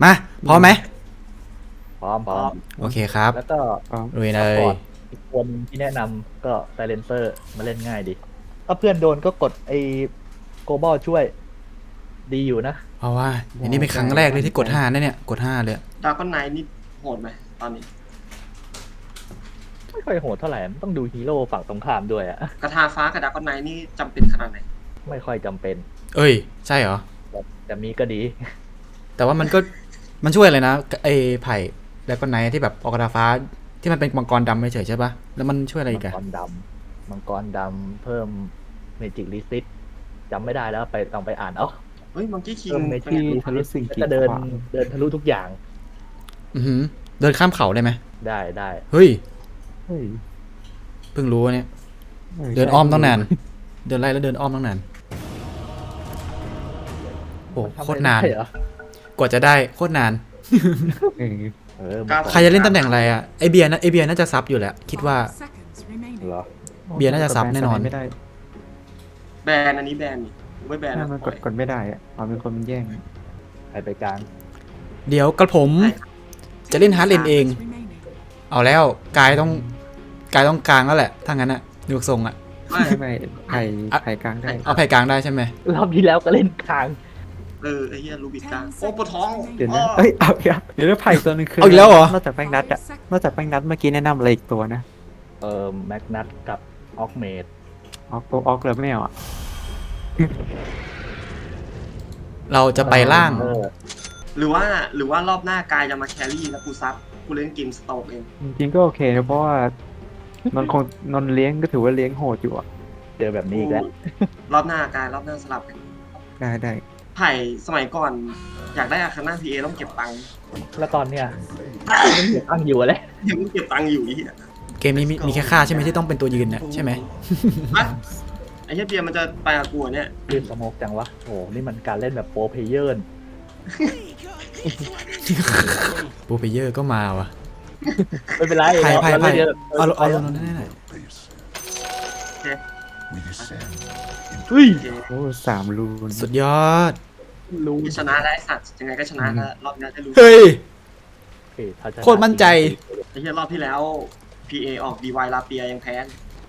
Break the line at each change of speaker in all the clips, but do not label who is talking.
มาพร้อมไหม
พร้อม
โอเคครับ
แล้วก็
ลุยเลย
อีกคนที่แนะนำก็ไซเลนเซอร์มาเล่นง่ายดิถ้าเพื่อนโดนก็กดไอ้โกลบอลช่วยดีอยู่นะ
เพราะว่าอันนี้เป็นครั้งแรกเลยที่กด5นะเนี่ยกด5เลย
ดราก้อนไนท์นี่โหดไหมตอนนี้
ไม่ค่อยโหดเท่าไหร่มันต้องดูฮีโร่ฝั่งตรงข้ามด้วยอะ
กระทาฟ้ากับดราก้อนไนท์นี่จำเป็นขนาดไหน
ไม่ค่อยจำเป็น
เอ้ยใช่เหรอ
แต่มีก็ดี
แต่ว่ามันช่วยอะไรนะไอ้ไผ่แล้วก็ไนท์ที่แบบออกกระดาฟ้าที่มันเป็นมังกรดำเฉยๆใช่ปะแล้วมันช่วยอะไรอีกอะ
มังกรดำเพิ่มเมจิกรีซิตจำไม่ได้แล้วต้องไปอ่านเอา
เฮ้ยมังกี้คิง
เพิ่มเมจิ
ที่
กรี
ทะลุ
ซิ
สิ่ง
ต
กีด
ก็เดิน
ขวาง
ทะลุทุกอย่าง
เดินข้ามเขาได้ไหม
ได้
เฮ้ย
เฮ้ย
เพิ่งรู้เนี่ยเดินอ้อมต้องนานเดินไล่แล้วเดินอ้อมต้องนานโอ้โคตรนาน
ใช่เหรอก
ว่าจะได้โคตรนาน
เออ
ใครจะเล่นตำแหน่งอะไรอะไอเบียร์น่าจะซับอยู่แหละคิดว่า
เหรอ
เบียร์น่าจะซับแน่นอน
ไม่ได้
แบนอันนี้แบนนี่ไม่แบน
ถ้า
นะ
มันกดไม่ได้อะเอาเป็นคนมันแย่ง
ใครไปกลาง
เดี๋ยวกระผมจะเล่นฮาร์ดเลนเอง เอาแล้วกายต้องกลางแล้วแหละถ้างั้นอะดูทรงอะ
ไม่ไผ่กลางได้
เอาไผ่กลางได้ใช่ไหม
รอบที่แล้วก็เล่นกลาง
ไอ้เหี้ยลูบิกกลางโอ้ปวดท้อง
เดี๋ยวนะเอ้ยเอาอีกแล้วเดี๋ยวนะไผ่ตัวนึงคือ
เอาอีกแล้วเหรอน
อกจากแป้งนัดอะนอกจากแป้งนัดเมื่อกี้แนะนำอะไรอีกตัวนะ
แม็กนัทกับออกเมด
ออกตัวออกเลยไม่เอาอะ
เราจะไปล่าง
หรือว่ารอบหน้ากายจะมาแครี่แล้วกูซับกูเล่นเกมสโตกเอง
จริงๆก็โอเคนะเพราะว่านนเลี้ยงก็ถือว่าเลี้ยงโหดอยู่อะ
เจอแบบนี้อีกแล้ว
รอบหน้ากายรอบหน้าสลับกัน
ได้
ไผ่สมัยก่อนอยากได้อาคาน่าพีเอต้องเก็บตังค์
แล้วตอนเนี้ยยังเก็บตั้งอยู่เลย
ยังเก็บตังค์อยู่ไอ้เหี้ย
เกมนี้มีแค่ค่าใช่ไหมที่ต้องเป็นตัวยืนเนี่ยใช่ไหม
อะไอ้เหี้ยเบียร์มันจะไปกับกูเนี่ย
ลื่นสโมกจังวะโอ้นี่มันการเล่นแบบโปรเพลเยอร์
โปรเพเยอร์ก็มาว่ะ
ไม่เป็นไร
ไผ่
เราเล่นเยอะ
เอาลงนั่นหน่อย
เฮ้ย
โอ้3 รูน
สุดยอด
รู้
ชนะได้สัตว์ยังไงก็ชนะแล้วรอบหน้าจะรู้
เฮ้ย
ถ้าชะ
โคตรมั่นใจ
ไอ้เหี้ยรอบที่แล้ว PA ออก DY ลาเปียยังแพ้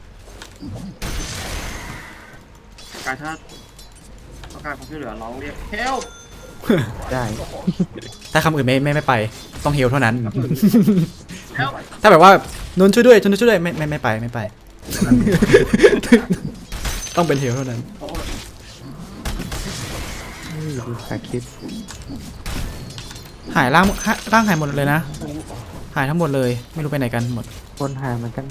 การถ้าต้องการความช่วยเหลือร้องเรียก help
ได้
ถ้าคำอื่นไม่ไปต้องเฮลเท่านั้น
help
ถ้าแบบว่านนท์ช่วยด้วยช่วยด้วยไม่ไป ต้องเป็นเฮลเท่านั้น
ดูสาคิด
หายร่างหายหมดเลยนะ หายทั้งหมดเลยไม่รู้ไปไหนกันหมด
คนหาเหมือนกัน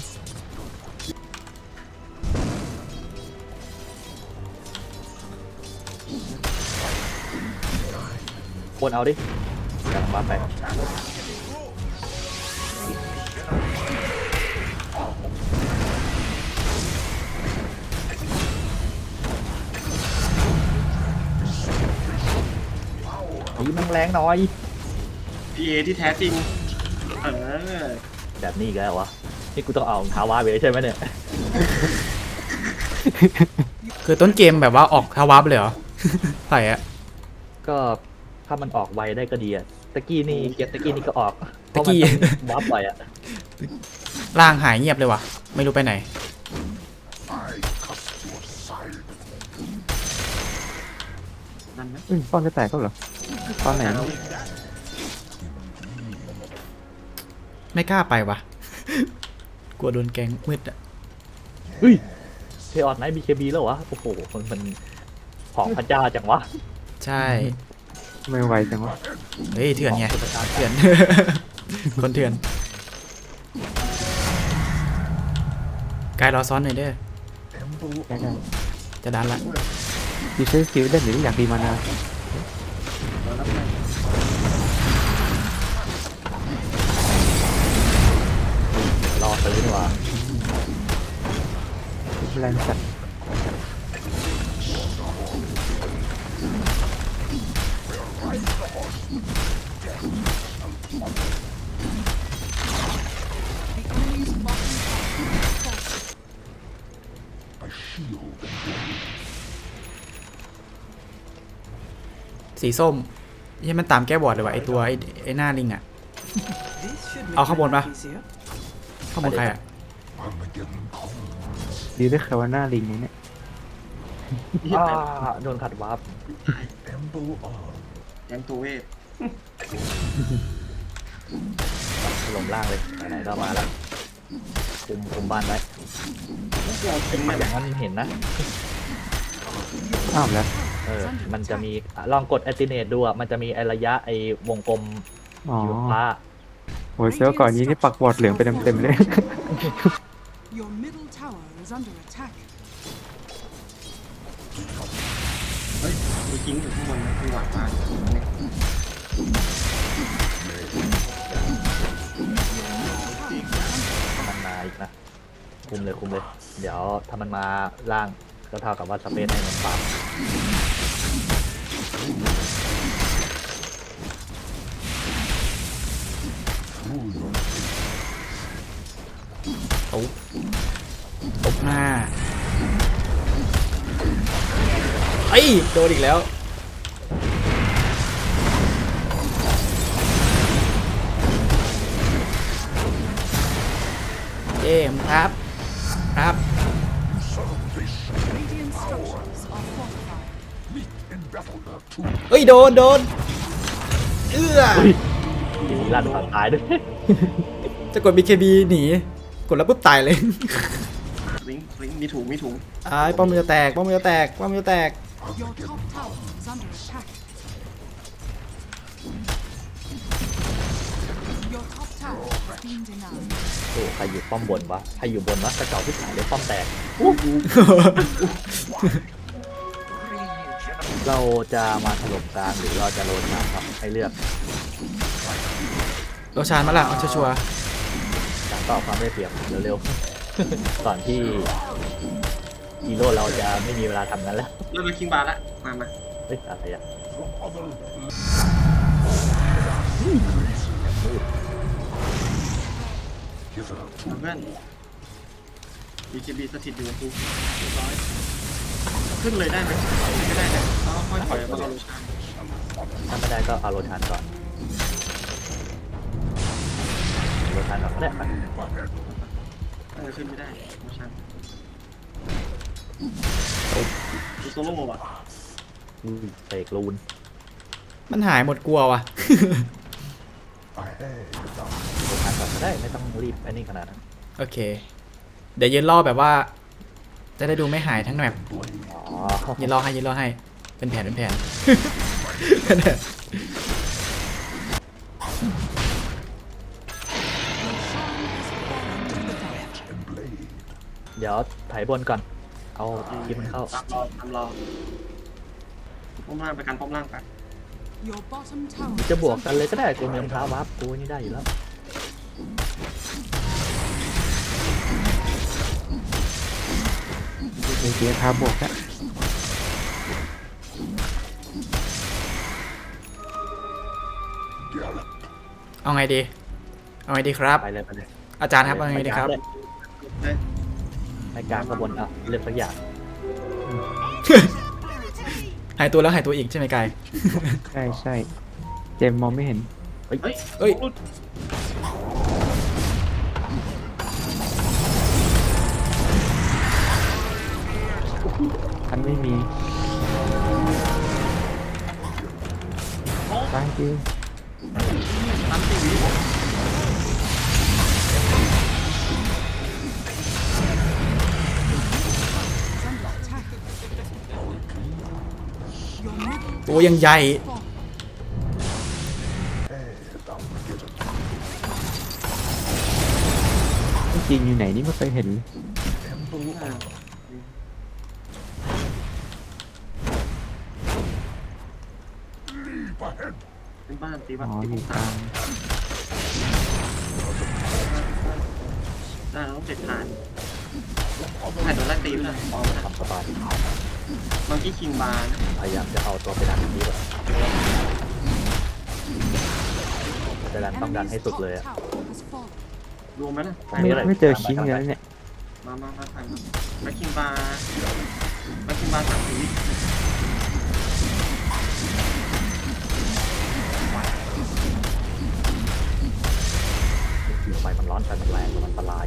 คนเอาดิกำลังมาไปนี่มันแรงหน่อย
PA ที่แท้จริงเออ
แบบนี้อีกแล้ววะนี่กูต้องเอาทาวาไปเลยใช่ไหมเนี่ย
คือต้นเกมแบบว่าออกทาวับเลยเหรอ ใส่อะ
ก็ถ้ามันออกไวได้ก็ดีอะตะกี้นี่เก็บตะกี้นี่ก็ออก
ตะกี้
วับไปอะ
ร่างหายเงียบเลยว่ะไม่รู้ไปไหน
นั่นไหม
ป้อนจะแตกก็เหรอตอนไหน
ไม่กล้าไปว่ะ กลัวโดนแก๊งมืดอะ
เฮ้ยเทออนไนท์บีเคบีแล้ววะโอ้โหมันของพระเจ้าจังวะ
ใช่
ไม่ไหวจังวะ
เฮ้ยเถื่อนไง
ของพระเจ้า
เถื่อน คนเถื่อนกายรอซ้อนหน่อยเด้อ
ได้
จะดันละ
ดีใช้สกิลได้หรืออยากดีมานา
รอซื้อดีกว่า
แรงจัด
สีส้มยังมันตามแก้บอร์ดเลยว่ะไอตัวไอหน้าลิงอ่ะ เอาข้างบนปะ ข้างบนใครอ่ะ
ดีได้แค่ว่าหน้าลิงเนี่ย
โดนขัดวาร์ป
แดงตัวเวท
ถล่มล่างเลยไหนๆก็มาแล้วคุมบ้านไว้
เราทิ้งมัน
อย่างนั้นเห็นนะ
อ้าวแล้ว
มันจะมีลองกดแอติเนตดูอ่ะมันจะมีไอระยะไอวงกลม
อ๋อ
สีฟ้า
โอ้ยเซลล์ก่อนนี้นี่ปักบอร์ดเหลืองไปเต็มๆเลย
Your middle tower is under attack.
เฮ้ยมีทิ้งอยู่ข้างบนนะคือหวานมาเนี่ย
มันมาอีกนะคุมเลย เดี๋ยวถ้ามันมาล่างก็เท่ากับว่าสเปซให้มันปรับ
ตบหน้าไอ้ยโดนอีกแล้ว เย้มครับ ครับ
Radiant structures are fortified.
เฮ้ย โดน เอื้อ
ทีนี้ลั่นตายด้วย
จะกด BKB หนี กดแล้วปุ๊บตายเลย
ลิงมีถุง
อ้ายป้อมมันจะแตก
Your top tower is under attack. Your top tower is being denied.
โอ้ใครอยู่ป้อมบนวะใครอยู่บนวะกระจอกที่ขายเลยป้อมแตก เราจะมาถล่มกลางหรือเราจะโรนมาครับให้เลือก
โรชานมาละเอาชัวร์
การต่อความได้เปรียบเร็วๆ ก่อนที่ฮีโร่เราจะไม่มีเวลาทำนั้นแล้ว
เริ่มมาคิงบาร์ละมา
เฮ้ยอะไรอ่ะ
เพื่อน BKB สถิตอยู่กับกูเรียบร้อยขึ้นเลยได้ไหมไม่ได้นะเราค่อยถอยมาเอาโลชั่น
ถ้าไม่ได้ก็เอาโรชานก่อนโรชานก่อนก็ได้ไป
ขึ้นไม่ได้โลชั่นดูโซโล่อะ
เสกลูน
มันหายหมดกลัวว่ะ
โรชานก่อนก็ได้ไม่ต้องรีบอันนี้ขนาดนั้น
โอเค เดี๋ยวยืนรอแบบว่า จะได้ดูไม่หายทั้งแมป
อ๋อ
ยืนรอให้ เป็นแผน
เดี๋ยวถ่ายบนก่อน เอาคลิปมันเข้า
ตามรอป้อมล่างไปกันป้อมล่างไป
Your bottom tower
จะบวกกันเลยก็ได้กูมีรองเท้าวับกูนี่ได้อยู่แล้ว
มีเกียร์ท้าบวกแล้ว
เอาไงดีครับ
ไปเลย
อาจารย์ครับเอาไงดีครับ
ในกลางขบวนอ่ะเลือกสักอย่าง
หายตัวแล้วหายตัวอีกใช่ไหมกาย
ใช่เจมส์มองไม่เห็น
เฮ้ย
เอ้ย
ทันไม่มีตายจริง
ตามตีวิ
is under attack. Your middle
ตัวยังใหญ่
fall.
จริงอยู่ไหนนี่ไม่เคยเห็นเลย
เป็นบ้านตีบ้า
อ๋
น
อ
ตี
อยู่กลาง
ได้เราต้องเสร็จทานถ่ายโดนไล่ตีไปเลยออกมา
ทำสบาย
มังกี้คิงบาร์นะ
พยายามจะเอาตัวไปดันนี้แบบจะดันต้องดันให้
Enemy's
สุด
top
เลยอะ
tower has fallen.
รวมไหมล่ะ
ไม่เจอคิงเลยนะเนี่ย
มาถ่ายมาแบ็คคิงบาร์3 วิ
ไฟมันร้อนไฟมันแรงมันอันตราย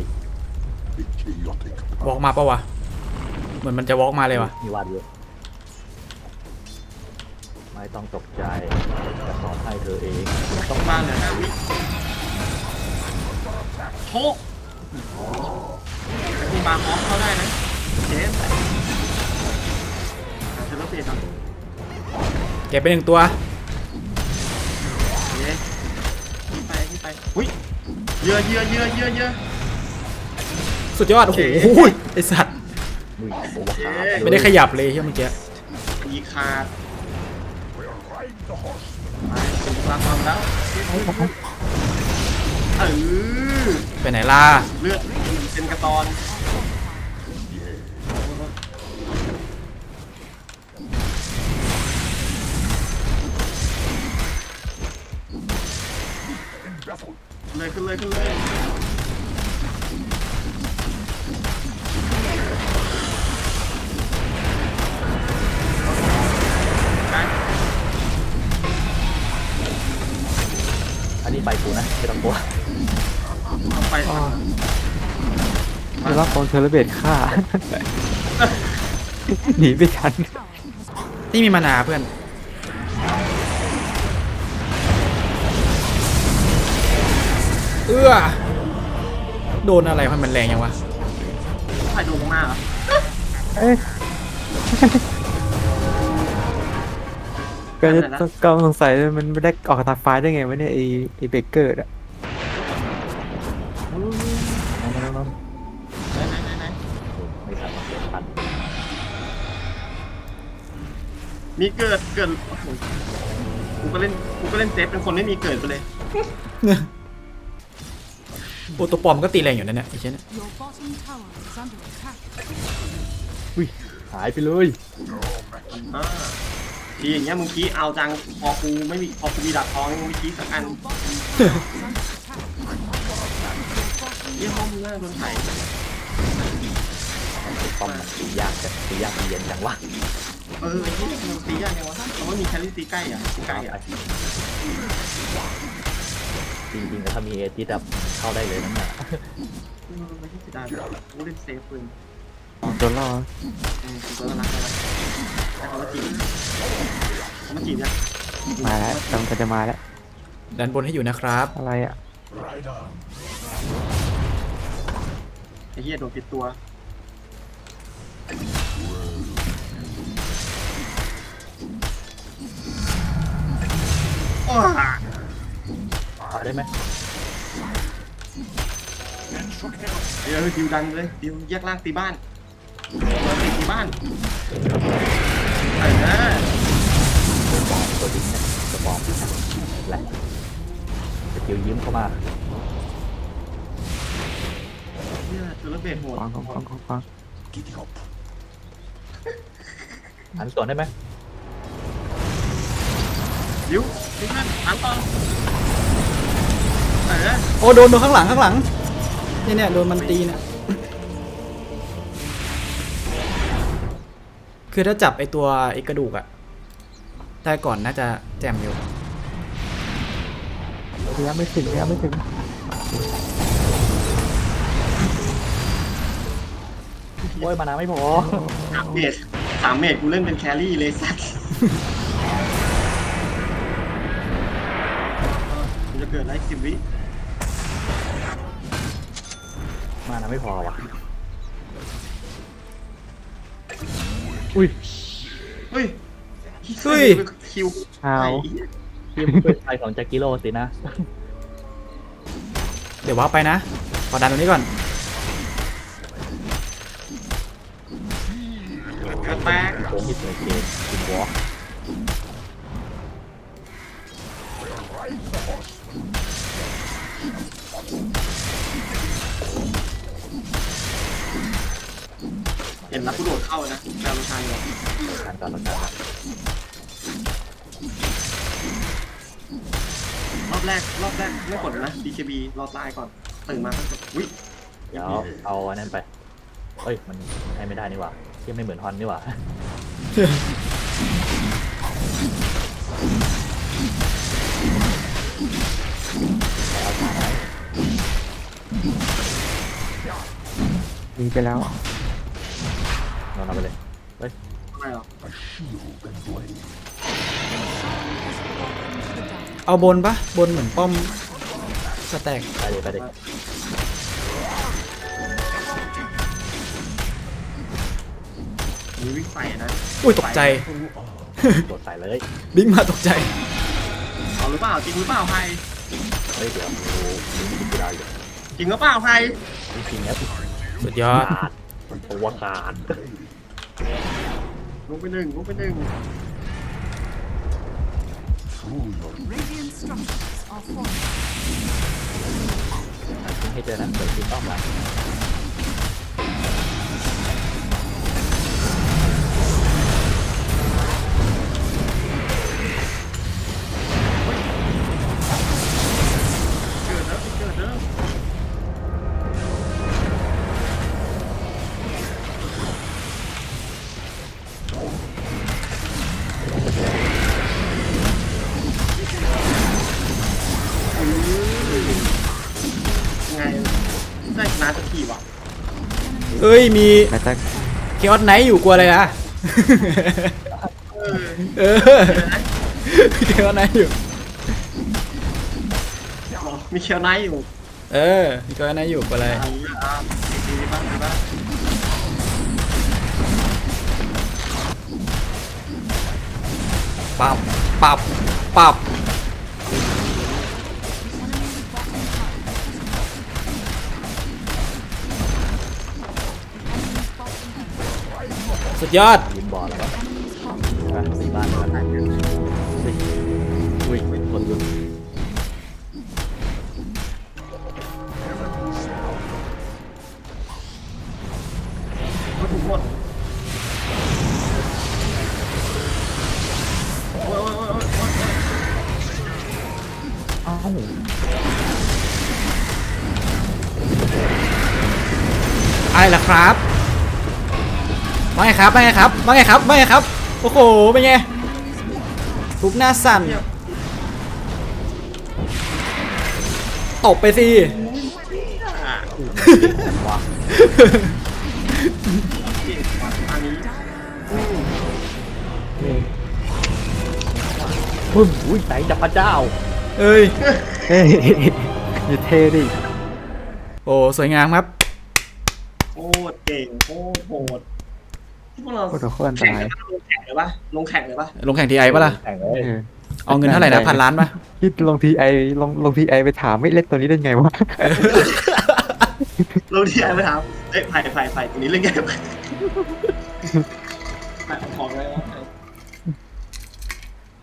วอล์กมาปะวะเหมือนมันจะวอล์กมาเลยวะ
มีวาดเยอะไม่ต้องตกใจจะสอนให้เธอเองต้อง
บ้านเหลือ5 วิโชคแต่คุณบาร์ฮอฟเข้าได้นะเจมส์เทเลเปียก่อน
เก็บไป1 ตัว
เย้ที่ไปหุ้ยเยอะ
สุดยอด โอ้โหไอสัตว์
มือโอเวอร์คาร์
ไม่ได้ขยับเลยเฮียเมื่อกี้
มีขาดถึงความแล้วอ
ไปไหนล่ะ
เลือดเป็นกระตอนขึ้นเลยไป
อันนี้ไปกูนะไม่ต้องกลัว
เอาไป
อ๋อได้รับโดนเทเลเบตฆ่า หนีไปทัน
นี่มีมานาเพื่อน โดนอะไรมันแรงยังวะ
ใครโดนมากเหรอ
เอ้ยก็จะต้องสงสัยเลยมันไม่ได้ออกทางไฟได้ไงวะเนี่ยไอเบเกอร์อะ
น้อง
ไหน
ไม่ทันเกิดทัน
มีเกิดโอ้โหกูก็เล่นเซฟเป็นคนไม่มีเกิดไปเลย
โอตัวปลอมก็ตีแรงอยู่นั่นแหละไอ้เช่น
Your bottom tower is under attack.
หายไปเลย
ทีอย่างเงี้ยมึงขี้เอาจังพอกูมีดาบทองมึงไม่ขี้สักอัน
Your bottom tower is under attack.
เยี่ยห้องมึงน่าโดนไถ่
ป้อมมันตียากตีเย็นจังวะ
ไอ้ที่มันตียากไงวะเพราะว่ามีแคลรี่ตีใกล้อ่ะใกล้อ่ะ
จริงๆแล้วถ้ามีเอจิสแบบเข้าได้เลยนั่นแหละ
ไม่ใช่เสียดายกูเล่นเซฟปืน
โดนล่อ
กูก็รักแต่เขามาจีบเนี่ย
มาแล้วกำลังจะมาแล้ว
ดันบนให้อยู่นะครับ
อะไรอ่ะ
ไอ้เหี้ยโดนปิดตัวโอ้
เอาได้ไหม
เดี๋ยวดิวดันเลยดิวแยกล่างตีบ้านตีบ้าน
ตัวดิ้งเนี่ยตัวบอมแหละสกิลยิ้มเข้ามา
เนี่ยตัวระเบิดโหด
ฟัง
หันสวนได้ไหม
ดิวดิวนั่นหันต่อ
โอ้โดนข้างหลังเนี่ยโดนมันตีเนี่ย คือถ้าจับไอตัวไอกระดูกอะได้ก่อนน่าจะแจมอยู่
ระยะไม่ถึง
โอ้ยมานาไม่พอ
3 เมตรกูเล่นเป็นแครี่เลยสัตว์มันจะเกิดอะไร10 วิ
มานาไม่พอว่ะ
เฮ้ย
เฮ้ย
คิว
อ้าว
ทีมเพื่อไทยของแจ็คกิโลสินะ
เดี๋ยวว้าไปนะ ขอดันตรงนี้ก่อน
กระแตก
โค้งที่เกิดเกมทีมวอล์ก
เห็นแล้วกูโดดเข้านะแปลว่าชายเลย
การต่อรการ
รอบแรกไม่กดนะ DKB รอตายก่อนตื่นมาก็กดอุ้ย
เดี๋ยวเอาอันนั้นไปเฮ้ยมันให้ไม่ได้นี่หว่าที่ไม่เหมือนฮอนนี่หว่าเอาสาย
หนีไปแล้ว
นอนเอาไปเลย
ไม่หรอก
เอาบนปะบนเหมือนป้อมสแต็ก
ไปเลยไปเลย
มีวิ่งไปนะ
อุ้ยตกใจ
โดดใส่เลย
บิงมาตกใจ
เอาหรือเปล่าจริงหรือเปล่าใคร
เฮ้ยเดี๋ยวดูได้อยู่
จริงหรือเปล่าใคร
จริงๆแล้ว
สุดยอด
ขาดตัวขาด
ลงไปหนึ่งลงไปหนึ่ง
Radiant structures are falling.
ให้เจอนะเดี๋ยวคุณต้องมา
เกิดแล้วเกิดแล้ว ไงได้ชนะสักทีวะ
เอ้ยมี
แต่จะ
เคออสไนท์อยู่กลัวอะไรอะ
เออ
เออเคออสไนท์อยู่
มีเคียวไนท์อยู่
เออมีเคออสไนท์อยู่กลัวอะไร
ดีบ้างดีบ้าง
ปับปับปับสุดยอด
ยืนบอลแล้วก็ตีบ้านแล้วกันอุ้ยคนหยุด
ก็ถูกหมดโอ้ยโอ้ยโอ้ยโอ้ย
อ้าว
อะไรล่ะครับว่าไงครับว่าไงครับว่าไงครับว่าไงครับโอ้โหเป็นไงทุบหน้าสั่นตบไปสิ
ว้า
อันนี้
ปึ้มอุ้ยแสงจากพระเจ้า
เอ้ย
เฮ้ยอย่าเท่ดิ
โอ้สวยงามครับ
โคตรเก่งโคตรโหดที่พวกเรา
โคตรโคตรอันต
แข่ง
ราย
กันลงแข่งเลยปะลงแข่งเลยปะ
ลงแข่งทีไอปะล่ะ
แข่งเลย
เออ
เอาเงินเท่าไหร่นะ1,000 ล้านปะ
คิดลงทีไอลงทีไอไปถามไม่เล่นตัวนี้ได้ไงวะ
ลงที่ไอ้ไปถามเอ้ยไผ่ตัวนี้เรื่องใหญ่ไปไผ่ของอะไรวะ